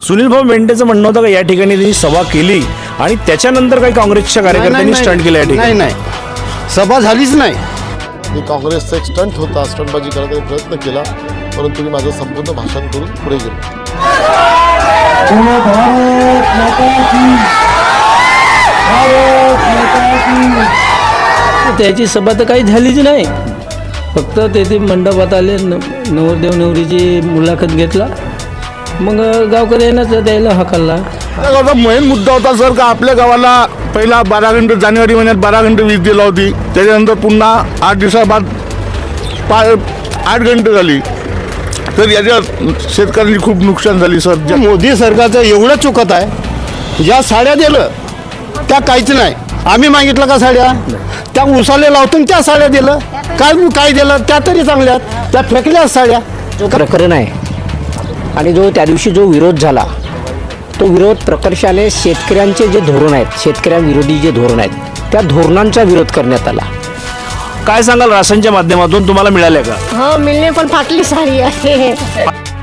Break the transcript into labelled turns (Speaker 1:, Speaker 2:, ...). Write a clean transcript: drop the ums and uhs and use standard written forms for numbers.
Speaker 1: सुनील भाऊ मेंढेचं म्हणणं होतं का या ठिकाणी त्यांनी सभा केली आणि त्याच्यानंतर काही काँग्रेसच्या कार्यकर्त्यांनी स्टंट केलं या ठिकाणी?
Speaker 2: नाही सभा झालीच नाही.
Speaker 3: मी काँग्रेसचा एक स्टंट होता, स्टंटबाजी करायचा प्रयत्न केला, परंतु मी माझं संपूर्ण भाषण करून पुढे गेलो.
Speaker 4: त्याची सभा तर काही झालीच नाही. फक्त तेथे मंडपात आले, नवरदेव नवरीची मुलाखत घेतला, मग गावकऱ्यांनाच द्यायला हकलला.
Speaker 5: मेन मुद्दा होता सर का आपल्या गावाला पहिला 12 घंटे जानेवारी महिन्यात 12 घंटे वीज दिला होती, त्याच्यानंतर पुन्हा 8 दिवसाबाद 8 घंटे झाली. तर याच्यात शेतकऱ्यांची खूप नुकसान झाली सर.
Speaker 2: मोदी सरकारचं एवढं चुकत आहे. ज्या साड्या दिलं त्या काहीच नाही. आम्ही मागितलं का साड्या, त्या उसाले लावतून त्या साड्या दिलं. काय दिलं त्या तरी चांगल्या, त्या फेकल्या साड्या.
Speaker 6: जो प्रकरण आहे आणि जो त्या दिवशी जो विरोध झाला, तो विरोध प्रकर्षाने शेतकऱ्यांचे जे धोरण आहेत, शेतकऱ्यांविरोधी जे धोरण आहेत, त्या धोरणांचा विरोध करण्यात आला.
Speaker 1: काय सांगाल राशनच्या माध्यमातून तुम्हाला मिळाले का?
Speaker 7: हो, मिळणे पण फाटली साडी आहे.